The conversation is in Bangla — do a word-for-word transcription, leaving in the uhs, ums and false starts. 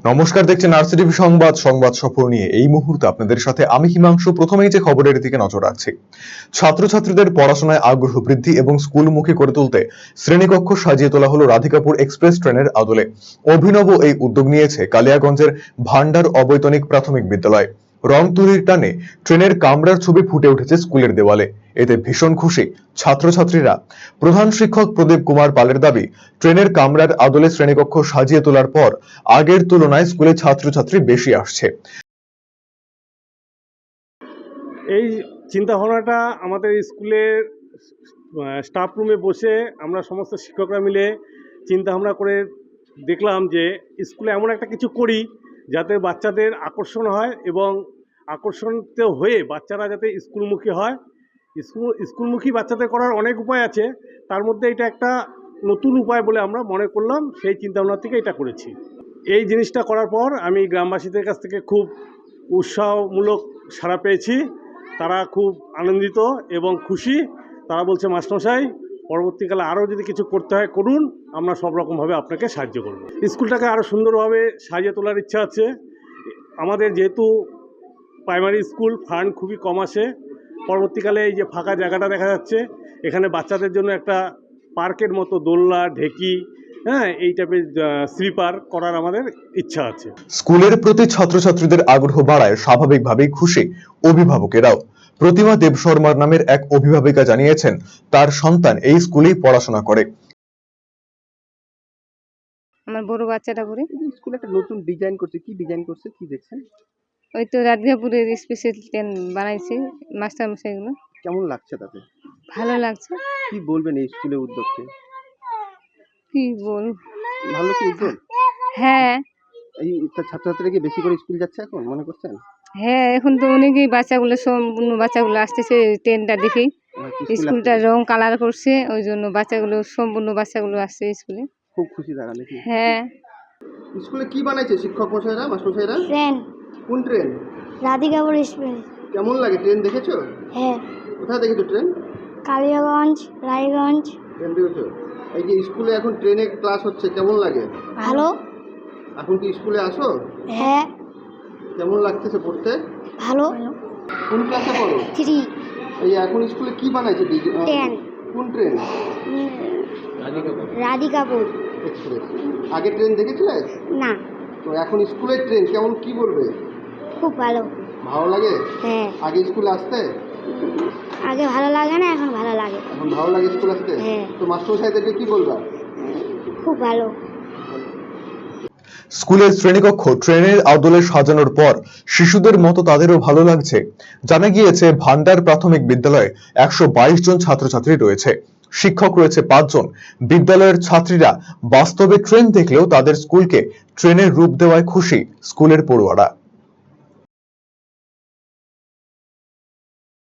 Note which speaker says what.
Speaker 1: নমস্কার, দেখছেন আরসিটিভি সংবাদ সংবাদ সফর নিয়ে এই মুহূর্তে আপনাদের সাথে আমি হিমাংশু। প্রথমেই যে খবরের দিকে নজর রাখছি, ছাত্রছাত্রীদের পড়াশোনায় আগ্রহ বৃদ্ধি এবং স্কুলমুখী করে তুলতে শ্রেণীকক্ষ সাজিয়ে তোলা হলো রাধিকাপুর এক্সপ্রেস ট্রেনের আদলে। অভিনব এই উদ্যোগ নিয়েছে কালিয়াগঞ্জের ভান্ডার অবৈতনিক প্রাথমিক বিদ্যালয়। রং তুলির টানে ট্রেনের কামরার ছবি ফুটে উঠেছে স্কুলের দেওয়ালে। এতে ভীষণ খুশি ছাত্রছাত্রীরা। প্রধান শিক্ষক প্রদীপ কুমার পালের দাবি, ট্রেনের কামরার আদলে শ্রেণীকক্ষ সাজিয়ে তোলার পর আগের তুলনায় স্কুলে ছাত্রছাত্রী বেশি আসছে।
Speaker 2: এই চিন্তা ভাবনাটা আমাদের স্কুলের স্টাফ রুমে বসে আমরা সমস্ত শিক্ষকরা মিলে চিন্তা ভাবনা করে দেখলাম যে স্কুলে এমন একটা কিছু করি যাতে বাচ্চাদের আকর্ষণ হয় এবং আকর্ষণিত হয়ে বাচ্চারা যাতে স্কুলমুখী হয়। স্কুল স্কুলমুখী বাচ্চাদের করার অনেক উপায় আছে, তার মধ্যে এটা একটা নতুন উপায় বলে আমরা মনে করলাম, সেই চিন্তাভাবনা থেকে এটা করেছি। এই জিনিসটা করার পর আমি গ্রামবাসীদের কাছ থেকে খুব উৎসাহমূলক সাড়া পেয়েছি। তারা খুব আনন্দিত এবং খুশি। তারা বলছে, মাস্টারমশাই পরবর্তীকালে আরও যদি কিছু করতে হয় করুন, আমরা সব রকমভাবে আপনাকে সাহায্য করব। স্কুলটাকে আরও সুন্দরভাবে সাজিয়ে তোলার ইচ্ছা আছে। আমাদের যেহেতু প্রাইমারি স্কুল, ফান্ড খুবই কম আসে, পরবর্তীকালে এই যে ফাঁকা জায়গাটা দেখা যাচ্ছে, এখানে বাচ্চাদের জন্য একটা পার্কের মতো দোলনা, ঢেকি, হ্যাঁ, এই টাইপের স্লিপার করার আমাদের ইচ্ছা আছে।
Speaker 1: স্কুলের প্রতি ছাত্রছাত্রীদের আগ্রহ বাড়ায় স্বাভাবিকভাবেই খুশি অভিভাবকেরাও। প্রতিমা দেব শর্মার নামের এক অভিভাবিকা জানিয়েছেন, তার সন্তান এই স্কুলেই পড়াশোনা করে।
Speaker 3: আমার বড় বাচ্চাটা পড়ে
Speaker 4: স্কুলে একটা নতুন ডিজাইন করছে। কি ডিজাইন করছে, কি দেখছেন?
Speaker 3: ওই তো রাধিকাপুরের স্পেশাল ট্রেন বানাইছে মাস্টার মশাইগুলো।
Speaker 4: কেমন লাগছে তাতে?
Speaker 3: ভালো লাগছে।
Speaker 4: কি বলবেন এই স্কুলের উদ্যোগকে?
Speaker 3: কি বল,
Speaker 4: ভালো কি উদ্যোগ?
Speaker 3: হ্যাঁ
Speaker 4: এই ছাত্রছাত্রীরা কি বেশি করে স্কুল যাচ্ছে এখন মনে করছেন?
Speaker 3: হ্যাঁ, এখন তো অনেকেই বাচ্চাগুলো সম্পূর্ণ বাচ্চাগুলো আসতেছে ট্রেনটা দেখেই। স্কুলটা রং কালার করছে, ওই জন্য বাচ্চাগুলো সম্পূর্ণ বাচ্চাগুলো আসছে স্কুলে।
Speaker 4: খুব খুশি তারা নাকি?
Speaker 3: হ্যাঁ।
Speaker 4: স্কুলে কি বানাইছে শিক্ষক মশাইরা, মাস্টার মশাইরা?
Speaker 5: ট্রেন।
Speaker 4: কোন ট্রেন?
Speaker 5: রাধিকাপুর এক্সপ্রেস।
Speaker 4: কেমন লাগে ট্রেন দেখেছো?
Speaker 5: হ্যাঁ।
Speaker 4: কোথায় দেখেছো ট্রেন?
Speaker 5: কালিয়াগঞ্জ, রায়গঞ্জ।
Speaker 4: ট্রেন দেখেছো? এই যে স্কুলে এখন ট্রেনে ক্লাস হচ্ছে, কেমন লাগে?
Speaker 5: ভালো।
Speaker 4: এখন কি স্কুলে আসো?
Speaker 5: হ্যাঁ।
Speaker 4: কেমন লাগতেছে পড়তে?
Speaker 5: ভালো।
Speaker 4: কোন ক্লাসে পড়ো?
Speaker 5: থ্রি।
Speaker 4: এই এখন স্কুলে কি বানাইছে?
Speaker 5: ট্রেন।
Speaker 4: কোন ট্রেন?
Speaker 5: রাধিকাপুর
Speaker 4: এক্সপ্রেস। আগে ট্রেন দেখেছিলে?
Speaker 5: না।
Speaker 4: তো এখন স্কুলের ট্রেন কেমন, কি বলবে?
Speaker 5: খুব ভালো।
Speaker 4: ভালো লাগে?
Speaker 5: হ্যাঁ।
Speaker 4: আগে স্কুলে আসতে?
Speaker 5: আগে ভালো লাগে না, এখন ভালো লাগে।
Speaker 4: এখন ভালো লাগে স্কুল আসতে?
Speaker 5: হ্যাঁ।
Speaker 4: তো মাস্টারমশাইদেরকে কি বলবা?
Speaker 5: খুব ভালো।
Speaker 1: স্কুলের শ্রেণীকক্ষ ট্রেনের আদলে সাজানোর পর শিশুদের মতো তাদেরও ভালো লাগছে। জানা গিয়েছে, ভান্ডার প্রাথমিক বিদ্যালয়ে একশো বাইশ জন ছাত্রছাত্রী রয়েছে, শিক্ষক রয়েছে পাঁচজন। বিদ্যালয়ের ছাত্রীরা বাস্তবে ট্রেন দেখলেও তাদের স্কুলকে ট্রেনের রূপ দেওয়ায় খুশি স্কুলের পড়ুয়ারা।